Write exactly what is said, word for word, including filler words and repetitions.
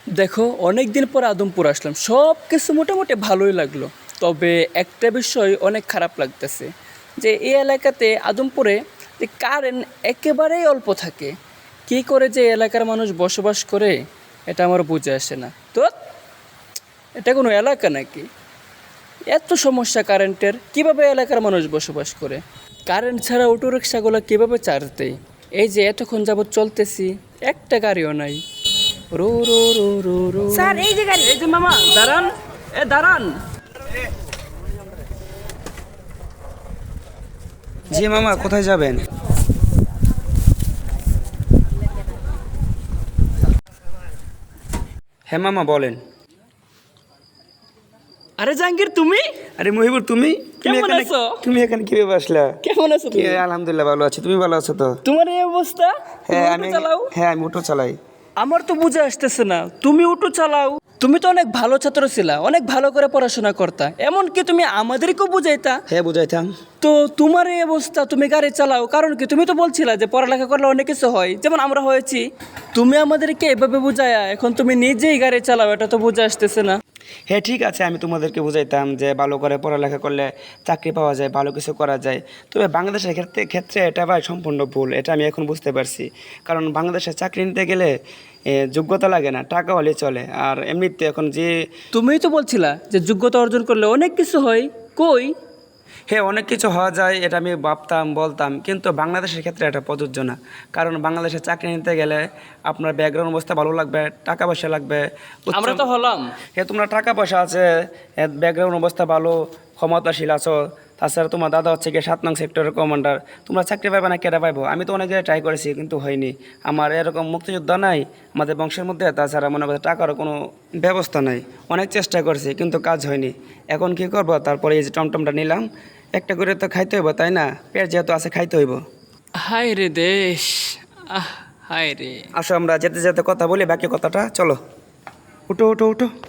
দেখো, অনেক দিন পর আদমপুর আসলাম, সব কিছু মোটামুটি ভালোই লাগলো। তবে একটা বিষয় অনেক খারাপ লাগতেছে, যে এই এলাকাতে আদমপুরে যে কারেন্ট একেবারেই অল্প থাকে। কী করে যে এলাকার মানুষ বসবাস করে এটা আমার বুঝে আসে না। তো এটা কোনো এলাকা নাকি? এত সমস্যা কারেন্টের, কীভাবে এলাকার মানুষ বসবাস করে? কারেন্ট ছাড়া অটো রিক্সাগুলো কীভাবে চার্জ দেয়? এই যে এতক্ষণ যাবৎ চলতেছি, একটা গাড়িও নাই। রো রো রো রো রো স্যার এই যে গাড়ি। এই যে মামা দাঁড়ান, এ দাঁড়ান। জি মামা, কোথায় যাবেন? হ্যাঁ মামা বলেন। আরে জাহাঙ্গীর, তুমি আরে মহিবুর, তুমি তুমি কেমন এখানে আছো? তুমি এখানে কিভাবে আসলা? কেমন আছো কি, তুমি? আলহামদুলিল্লাহ ভালো আছি। তুমি ভালো আছো তো? তোমার এই অবস্থা, তুমি হ্যাঁ অটো আমি চালাও? হ্যাঁ আমি অটো চালাই। আমার তো বুঝে আসতেছে না, তুমি অটো চালাও? তুমি তো অনেক ভালো ছাত্র ছিলা, অনেক ভালো করে পড়াশোনা করতা, এমনকি তুমি আমাদেরকেও বুঝাইতা। হ্যাঁ বুঝাইতাম। তো তোমার এই অবস্থা, তুমি গাড়ি চালাও কারণ কি? তুমি তো বলছিলা যে পড়ালেখা করলে অনেক কিছু হয়, যেমন আমরা হয়েছি। তুমি আমাদেরকে এভাবে বুঝায়া এখন তুমি নিজেই গাড়ি চালাও, এটা তো বুঝে আসতেছে না। হ্যাঁ ঠিক আছে, আমি তোমাদেরকে বুঝাইতাম যে ভালো করে পড়ালেখা করলে চাকরি পাওয়া যায়, ভালো কিছু করা যায়। তবে বাংলাদেশের ক্ষেত্রে ক্ষেত্রে এটা ভাই সম্পূর্ণ ভুল, এটা আমি এখন বুঝতে পারছি। কারণ বাংলাদেশে চাকরি নিতে গেলে এ, যোগ্যতা লাগে না, টাকা হলে চলে। আর এমনিতে এখন যে তুমিই তো বলছিলা যে যোগ্যতা অর্জন করলে অনেক কিছু হয়, কই? হ্যাঁ অনেক কিছু হওয়া যায়, এটা আমি ভাবতাম বলতাম, কিন্তু বাংলাদেশের ক্ষেত্রে এটা প্রযোজ্য না। কারণ বাংলাদেশে চাকরি নিতে গেলে আপনার ব্যাকগ্রাউন্ড অবস্থা ভালো লাগবে, টাকা পয়সা লাগবে। উচ্চ- আমরা তো হলাম। হ্যাঁ তোমরা টাকা পয়সা আছে, ব্যাকগ্রাউন্ড অবস্থা ভালো, ক্ষমতাশীল আছো। তাছাড়া তোমার দাদা হচ্ছে গিয়ে সাত নং সেক্টরের কমান্ডার। তোমরা চাকরি পাবে না, কেটে পাইবো? আমি তো অনেক জায়গায় ট্রাই করেছি কিন্তু হয়নি। আমার এরকম মুক্তিযোদ্ধা নাই আমাদের বংশের মধ্যে, তাছাড়া মনে করছে টাকারও কোনো ব্যবস্থা নাই। অনেক চেষ্টা করেছি কিন্তু কাজ হয়নি। এখন কি করব? তারপরে এই যে টমটমটা নিলাম, একটা করে তো খাইতে হইব, তাই না? পেট যেহেতু আছে খাইতে হইব। হায় রে দেশ, আহ হায় রে। আসো আমরা যেতে যেতে কথা বলি বাকি কথাটা, চলো। উঠো উঠো উঠো।